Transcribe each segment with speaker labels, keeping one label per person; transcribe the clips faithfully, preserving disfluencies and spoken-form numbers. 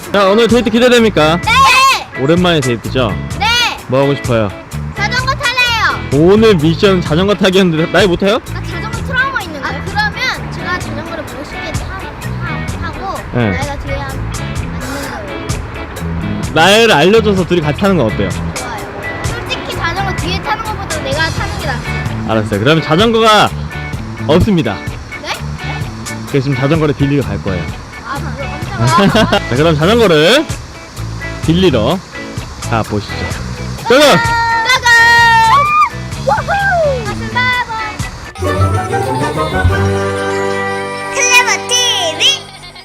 Speaker 1: 자, 오늘 데이트 기대됩니까?
Speaker 2: 네!
Speaker 1: 오랜만에 데이트죠?
Speaker 2: 네!
Speaker 1: 뭐 하고 싶어요?
Speaker 2: 자전거 탈래요!
Speaker 1: 오늘 미션 자전거 타기였는데 나이 못해요?
Speaker 2: 나 자전거 트라우마 있는데? 아, 그러면 제가 자전거를 멋있게 타, 타, 타고
Speaker 1: 네.
Speaker 2: 나이가 뒤에 앉는 거예요.
Speaker 1: 나이를 알려줘서 둘이 같이 타는 건 어때요?
Speaker 2: 좋아요. 솔직히 자전거 뒤에 타는 것보다 내가 타는 게 낫지.
Speaker 1: 알았어요. 그러면 자전거가 없습니다.
Speaker 2: 네?
Speaker 1: 그래서 지금 자전거를 빌리러 갈 거예요.
Speaker 2: 아, 그거 깜짝아.
Speaker 1: 자, 그럼 자전거를 빌리러 가보시죠. 고고!
Speaker 2: 고고! 우후! 가슴 바보! 클레버 티비!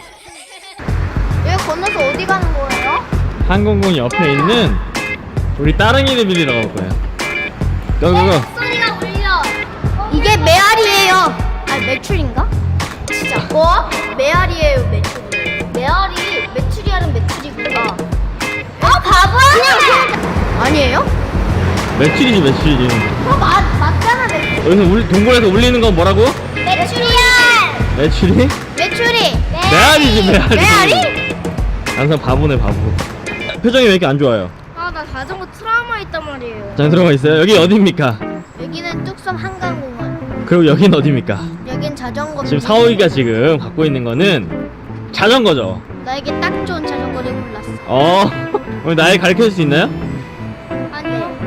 Speaker 2: 여기 건너서 어디 가는 거예요?
Speaker 1: 항공공 옆에 있는 우리 따릉이를 빌리러 갈 거예요. 고고고!
Speaker 2: 소리가 울려. 이게 메아리예요. 아, 매출인가? 진짜. 뭐? 메아리예요, 매출. 메아리, 메추리알은 메추리구나. 어, 바보야! 아니에요?
Speaker 1: 매출이지 매출이지.
Speaker 2: 어, 맞, 맞잖아, 매출.
Speaker 1: 여기서 울, 동굴에서 울리는 건 뭐라고?
Speaker 2: 메추리알!
Speaker 1: 매출이?
Speaker 2: 메추리!
Speaker 1: 메아리지 메아리.
Speaker 2: 메아리?
Speaker 1: 항상 바보네 바보. 표정이 왜 이렇게 안 좋아요?
Speaker 2: 아, 나 자전거 트라우마 있단 말이에요.
Speaker 1: 자, 들어가 있어요. 여기 어디입니까?
Speaker 2: 여기는 뚝섬 한강공원.
Speaker 1: 그리고 여긴 어디입니까?
Speaker 2: 여긴 자전거.
Speaker 1: 지금 사오이가 지금 갖고 있는 거는 자전거죠.
Speaker 2: 나에게 딱 좋은 자전거를 골랐어.
Speaker 1: 어, 오늘 나이 가르쳐 줄 수 있나요?
Speaker 2: 아니요.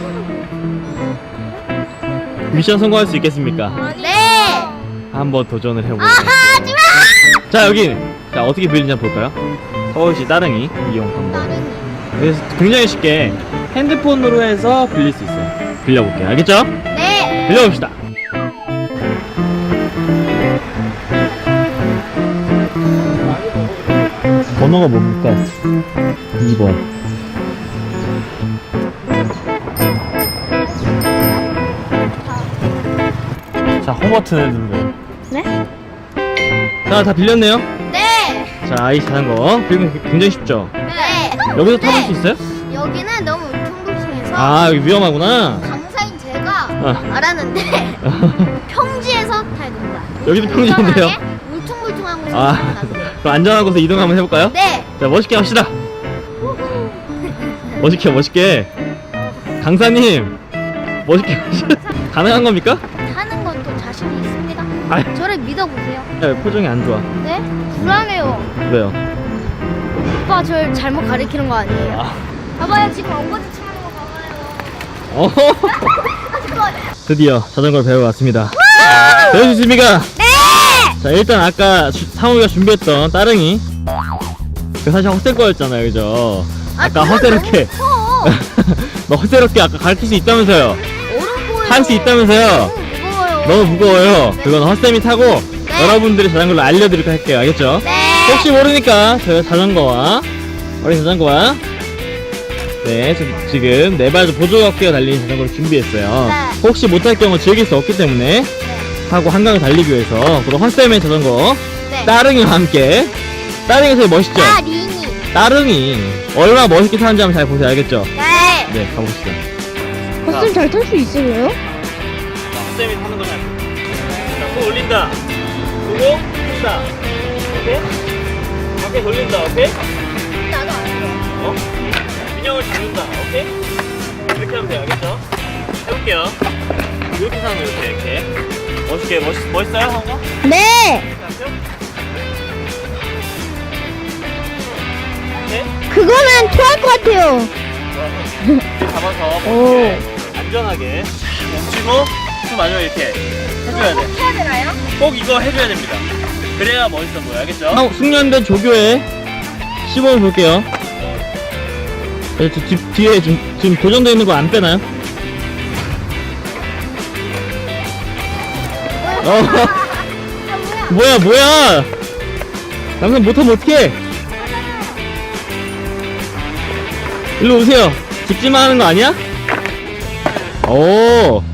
Speaker 1: 미션 성공할 수 있겠습니까?
Speaker 2: 네!
Speaker 1: 한번 도전을 해보세요.
Speaker 2: 아하, 하지마!
Speaker 1: 자, 여기 자 어떻게 빌리는지 한번 볼까요? 서울시 따릉이 이용 방법.
Speaker 2: 따릉이.
Speaker 1: 그래서 굉장히 쉽게 핸드폰으로 해서 빌릴 수 있어요. 빌려볼게요. 알겠죠?
Speaker 2: 네!
Speaker 1: 빌려봅시다. 번호가 뭡니까? 이 번. 자, 홈 버튼을 누르세요.
Speaker 2: 네?
Speaker 1: 자, 다 빌렸네요.
Speaker 2: 네!
Speaker 1: 자, 아이 자전거 빌리면 굉장히 쉽죠?
Speaker 2: 네!
Speaker 1: 여기서 타볼 수 있어요?
Speaker 2: 여기는 너무 울퉁불퉁해서
Speaker 1: 아, 여기 위험하구나.
Speaker 2: 강사인 제가
Speaker 1: 어.
Speaker 2: 알았는데 평지에서 타야 된다.
Speaker 1: 여기도 평지인데요?
Speaker 2: 안전하게 울퉁불퉁한 곳에서
Speaker 1: 아,
Speaker 2: 타면 안 돼요.
Speaker 1: 그럼 안전한 곳에 이동 한번 해볼까요?
Speaker 2: 네!
Speaker 1: 자, 멋있게 합시다. 멋있게, 멋있게. 강사님, 멋있게 합시다. 가능한 겁니까?
Speaker 2: 타는 건 또 자신이 있습니다.
Speaker 1: 아이.
Speaker 2: 저를 믿어보세요.
Speaker 1: 야, 표정이 안 좋아.
Speaker 2: 네? 불안해요.
Speaker 1: 왜요?
Speaker 2: 오빠 절 잘못 가리키는 거 아니에요?
Speaker 1: 아.
Speaker 2: 봐봐요, 지금 엉거지 치는 거 봐봐요.
Speaker 1: 어.
Speaker 2: 아, 잠깐만.
Speaker 1: 드디어 자전거를 배워왔습니다. 배울 수 있습니까?
Speaker 2: 네!
Speaker 1: 자, 일단 아까 주- 상우가 준비했던 따릉이 그 사실 헛될 거였잖아요, 그죠? 아까
Speaker 2: 그건
Speaker 1: 허세롭게
Speaker 2: 너무 커.
Speaker 1: 너 허세롭게 아까 가르칠 수 있다면서요?
Speaker 2: 어른 보여요.
Speaker 1: 할 수 있다면서요?
Speaker 2: 너무 무거워요.
Speaker 1: 너무 무거워요.
Speaker 2: 네.
Speaker 1: 그건 헛쌤이 타고
Speaker 2: 네.
Speaker 1: 여러분들이 자전거를 알려드리도록 할게요. 알겠죠?
Speaker 2: 네.
Speaker 1: 혹시 모르니까 저희가 자전거와 어린 자전거와 네 지- 지금 네발 보조어깨가 달린 자전거를 준비했어요.
Speaker 2: 네.
Speaker 1: 혹시 못할 경우 즐길 수 없기 때문에
Speaker 2: 네.
Speaker 1: 하고 한강을 달리기 위해서 그리고 헛쌤의 자전거
Speaker 2: 네.
Speaker 1: 따릉이와 함께 따릉이 되게 멋있죠?
Speaker 2: 아, 리니.
Speaker 1: 따릉이 얼마나 멋있게 타는지 한번 잘 보세요. 알겠죠?
Speaker 2: 네.
Speaker 1: 네, 가봅시다.
Speaker 2: 버스 잘 탈 수 있어요?
Speaker 1: 헛쌤이 타는 거냐? 자, 또 올린다. 그리고 푼다. 오케이? 밖에 돌린다. 오케이?
Speaker 2: 나도 안 돼.
Speaker 1: 어? 균형을 잡는다. 오케이? 이렇게 하면 돼요. 알겠죠? 해볼게요. 이렇게 사는 거 이렇게 이렇게. 멋있게 멋있 멋있어요, 한거?
Speaker 2: 네.
Speaker 1: 네?
Speaker 2: 그거는 토할 것 같아요.
Speaker 1: 이렇게 잡아서 멋있게 안전하게 멈추고 또 마지막에 이렇게 해줘야 돼.
Speaker 2: 해야 되나요?
Speaker 1: 꼭 이거 해줘야 됩니다. 그래야 멋있어 보여. 알겠죠? 숙련된 조교의 시범을 볼게요. 네, 저 뒤, 뒤에 지금, 지금 고정되어 있는 거 안 빼나요? 어,
Speaker 2: 아,
Speaker 1: 뭐야,
Speaker 2: 뭐야?
Speaker 1: 뭐야! 남편 못하면 어떡해! 일로 오세요. 직진만 하는 거 아니야? 오!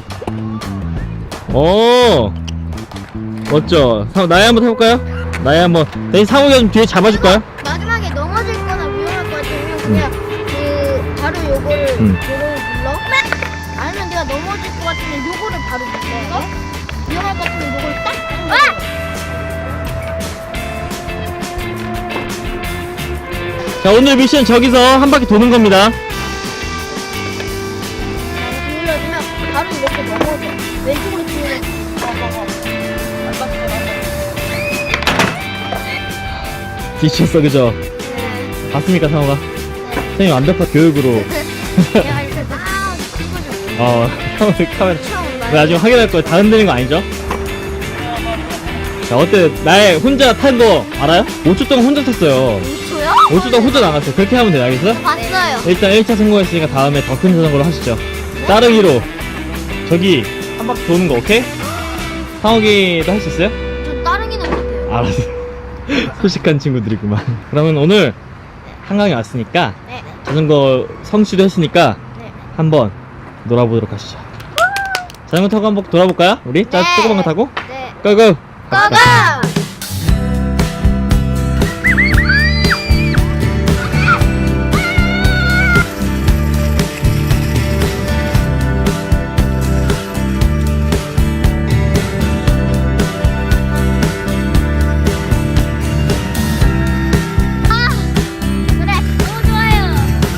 Speaker 1: 오! 멋져. 사, 나야 한번 해볼까요? 나야 한번. 대신 상욱이가 좀 뒤에 잡아줄까요?
Speaker 2: 마지막에 넘어질 거나 위험할 것 같으면 그냥 그 바로 요거를
Speaker 1: 음.
Speaker 2: 요거를 눌러. 아니면 내가 넘어질 것 같으면 요거를 바로 눌러. 위험할 것 같으면 요걸 딱. 아!
Speaker 1: 자, 오늘 미션 저기서 한 바퀴 도는 겁니다.
Speaker 2: 눌러주면 바로 이렇게 넘어져. 왼쪽으로 기울여.
Speaker 1: 지쳤어, 그죠? 봤습니까, 상호가? 선생님 완벽한 교육으로.
Speaker 2: 내가 이렇게 아, 찍어줘.
Speaker 1: 어, 상호 카메라.
Speaker 2: 처음 나.
Speaker 1: 나중에 확인할 거예요. 다 흔드는 거 아니죠? 자, 어때? 나의 혼자 탄 거 알아요? 오 초 동안 혼자 탔어요.
Speaker 2: 오 초요?
Speaker 1: 오 초 동안 혼자 나갔어요. 그렇게 하면 돼요, 알겠어요?
Speaker 2: 봤어요.
Speaker 1: 일단 일 차 성공했으니까 다음에 더 큰 자전거로 하시죠. 따릉이로 저기 한 바퀴 도는 거 오케이? 상욱이도 할 수 있어요?
Speaker 2: 전 따릉이는 못해요.
Speaker 1: 알았어. 소식한 친구들이구만. 그러면 오늘 한강에 왔으니까
Speaker 2: 네.
Speaker 1: 자전거 성취도 했으니까
Speaker 2: 네.
Speaker 1: 한번 놀아보도록 하시죠. 자전거 타고 한번 돌아볼까요? 우리? 자,
Speaker 2: 네.
Speaker 1: 조그만 거 타고?
Speaker 2: 네.
Speaker 1: 고고!
Speaker 2: 고고! 아, 그래. 너무 좋아요.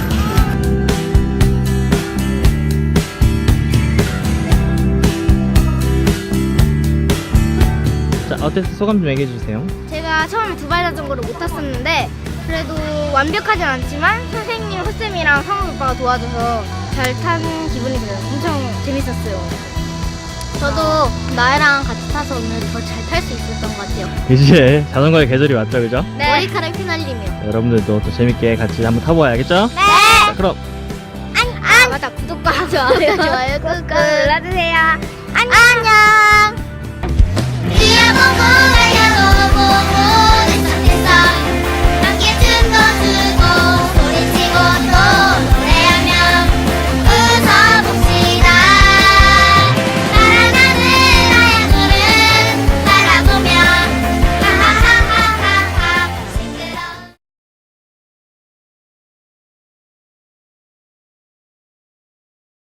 Speaker 1: 자, 어땠어? 소감 좀 얘기해 주세요.
Speaker 2: 제가 처음에 두발 자전거를 못 탔었는데 그래도 완벽하진 않지만 선생님, 호쌤이랑 상우 오빠가 도와줘서 잘 탄 기분이 들어요. 엄청 재밌었어요. 저도 나이랑 같이 타서 오늘 더 잘 탈 수 있었던 것 같아요.
Speaker 1: 이제 자전거의 계절이 왔죠, 그죠?
Speaker 2: 네. 머리카락 휘날리며.
Speaker 1: 여러분들도 또 재밌게 같이 한번 타보아야겠죠?
Speaker 2: 네.
Speaker 1: 자, 그럼
Speaker 2: 아, 맞다. 구독과 좋아요, 좋아요